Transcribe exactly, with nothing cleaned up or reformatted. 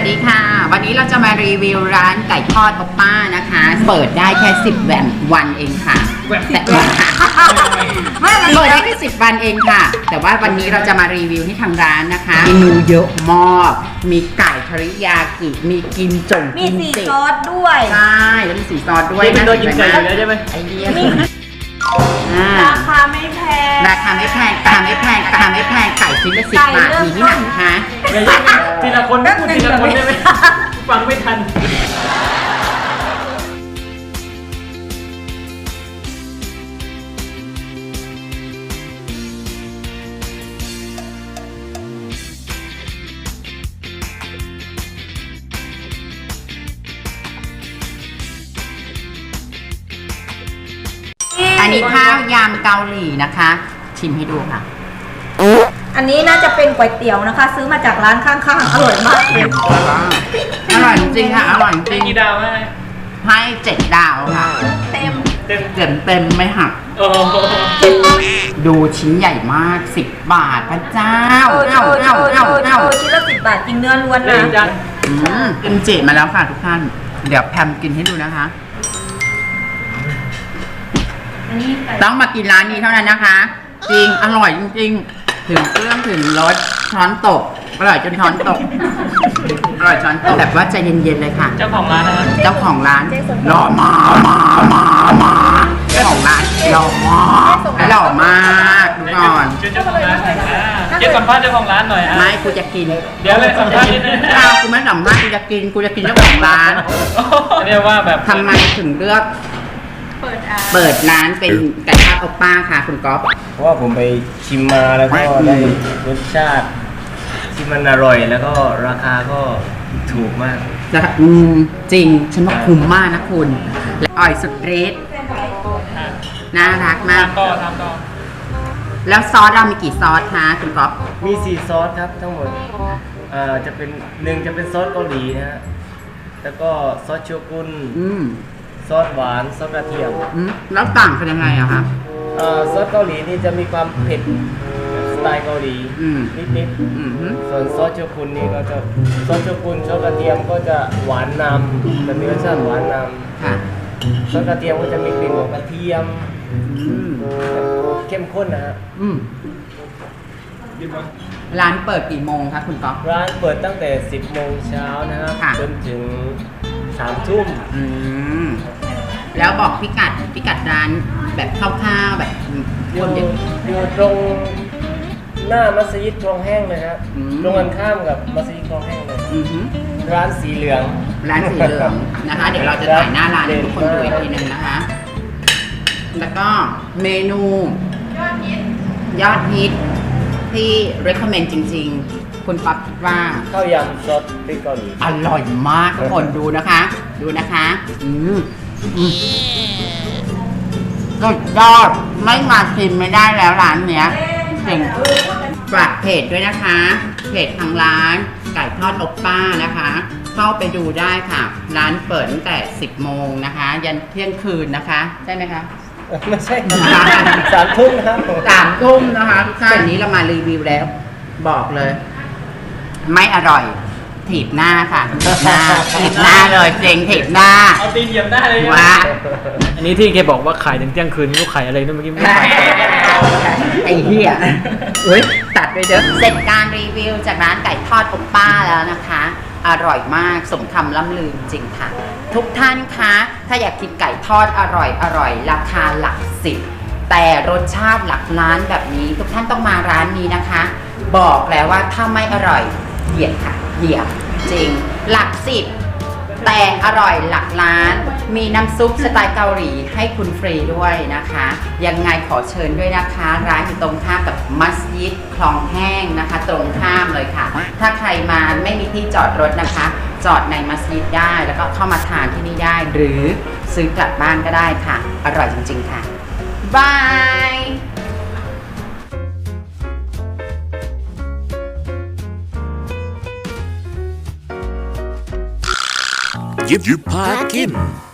ดีค่ะวันนี้เราจะมารีวิวร้านไก่ทอดโอป้านะคะเปิดได้แค่สิบวันวันเองค่ะแต่เปิดได้แค่สิบวันเองค่ะแต่ว่าวันนี้เราจะมารีวิวที่ทางร้านนะคะเมนูเยอะมากมีไก่ทริยากิมีกิมจงมีสีซอสด้วยใช่แล้วมีสีซอสด้วยนะกินไก่แล้วใช่ไหมไอเดียราคาไม่แพงราคาไม่แพงราคาไม่แพงราคาไม่แพงไก่ชิ้นละสิบบาทมีที่ไหนคะทีละคนพูดทีละคนได้ไหมฟังไม่ทันอันนี้ข้าวยำเกาหลีนะคะชิมให้ดูค่ะอันนี้น่าจะเป็นก๋วยเตี๋ยวนะคะ ซื้อมาจากร้านข้างๆอร่อยมากเลยอร่อยจริงค่ะอร่อยจริงกี่ดาวให้ให้เจ็ดดาวค่ะเต็มเต็มเต็มเต็มไม่หักดูชิ้นใหญ่มากสิบบาทพระเจ้าเอ้าเอ้าเอ้าเอ้าชิ้นละสิบบาทจริงเนื้อล้วนนะกินเจมาแล้วค่ะทุกท่านเดี๋ยวแพมกินให้ดูนะคะต้องมากินร้านนี้เท่านั้นนะคะจริงอร่อยจริงๆถึงเครื่องถึงรสช้อนตกอร่อยจนช้อนตกอร่อยช้อนตกแบบว่าใจเย็นๆเลยค่ะเจ้าของร้านนะครับเจ้าของร้านหล่อมามามามาเจ้าของร้านหล่อมากหล่อมากดูก่อนเจ้าของร้านเจ๊สัมภาษณ์เจ้าของร้านหน่อยไม่กูจะกินเดี๋ยวเลยสัมภาษณ์นิดนึงอ้าวกูไม่สัมภาษณ์กูจะกินกูจะกินเจ้าของร้านเรียกว่าแบบทำไมถึงเลือกเปิดร้านเป็นไก่ทอดโอป้าค่ะคุณก๊อฟเพราะว่าผมไปชิมมาแล้วก็ได้รสชาติที่มันอร่อยแล้วก็ราคาก็ถูกมากนะคะอืมจริงฉันว่าคุ้มมากนะคุณและอร่อยสุดเรทน่ารักมากต่อทำต่อแล้วซอสเรามีกี่ซอสคะคุณก๊อฟมีสี่ซอสครับทั้งหมดเอ่อจะเป็นหนึ่งจะเป็นซอสเกาหลีนะฮะแล้วก็ซอสโชกุนอืมซอสหวานซอสกระเทียมแล้วต่างกันยังไงอะคะซอสเกาหลีนี่จะมีความเผ็ดสไตล์เกาหลีนิดๆส่วนซอสโชกุนนี่ก็จะซอสโชกุนซอสกระเทียมก็จะหวานนำจะมีรสชาติหวานนำซอสกระเทียมก็จะมีกลิ่นของกระเทียมเข้มข้นนะฮะร้านเปิดกี่โมงคะคุณก๊อฟร้านเปิดตั้งแต่สิบโมงเช้านะครับจนถึงสามทุ่มแล้วบอกพิกัดพิกัดร้านแบบคร่าวๆแบบคนอยู่อยู่ตรงหน้ามัสยิดคลองแห้งเลยครับตรงกันข้ามกับมัสยิดคลองแห้งเลยร้านสีเหลืองร้านสีเหลืองนะคะเดี๋ยวเราจะถ่ายหน้าร้านให้ทุกคนดูอีกทีนึงนะคะแล้วก็เมนูยอดฮิตที่ recommend จริงๆคุณป๊อปคิดว่าข้าวยำซอสพริกเกาหลีอร่อยมากทุกคนดูนะคะดูนะคะอืมก็ยอดไม่มาชิมไม่ได้แล้วร้านเนี้ยเจ๋งฝากเพจด้วยนะคะเพจทางร้านไก่ทอดโอป้านะคะเข้าไปดูได้ค่ะร้านเปิดตั้งแต่สิบโมงนะคะยันเที่ยงคืนนะคะใช่ไหมคะไม่ใช่สามทุ่มนะครับสามทุ่มนะคะทุกท่านนี้เรามารีวิวแล้วบอกเลยไม่อร่อยถีบหน้าค่ะหน้าถีบหน้าเลยเจ๋งถีบหน้าเอาตีนเหยียบหน้าเลยว่าอันนี้ที่แกบอกว่าขายถึงเที่ยงคืนลูกขายอะไรนั่นเมื่อกี้ไม่ขายไอ้เหี้ยอุ้ยตัดไปเด้อเสร็จการรีวิวจากร้านไก่ทอดโอป้าแล้วนะคะอร่อยมากสมคำล่ำลือจริงค่ะทุกท่านคะถ้าอยากกินไก่ทอดอร่อยอร่อยราคาหลักสิบแต่รสชาติหลักล้านแบบนี้ทุกท่านต้องมาร้านนี้นะคะบอกแล้วว่าถ้าไม่อร่อยเหยียดค่ะเหยียดจริงหลักสิบแต่อร่อยหลักล้านมีน้ำซุปสไตล์เกาหลีให้คุณฟรีด้วยนะคะยังไงขอเชิญด้วยนะคะร้านอยู่ตรงข้ามกับมัสยิดคลองแห้งนะคะตรงข้ามเลยค่ะถ้าใครมาไม่มีที่จอดรถนะคะจอดในมัสยิดได้แล้วก็เข้ามาทานที่นี่ได้หรือซื้อกลับบ้านก็ได้ค่ะอร่อยจริงๆค่ะบายยิบยิบพากิน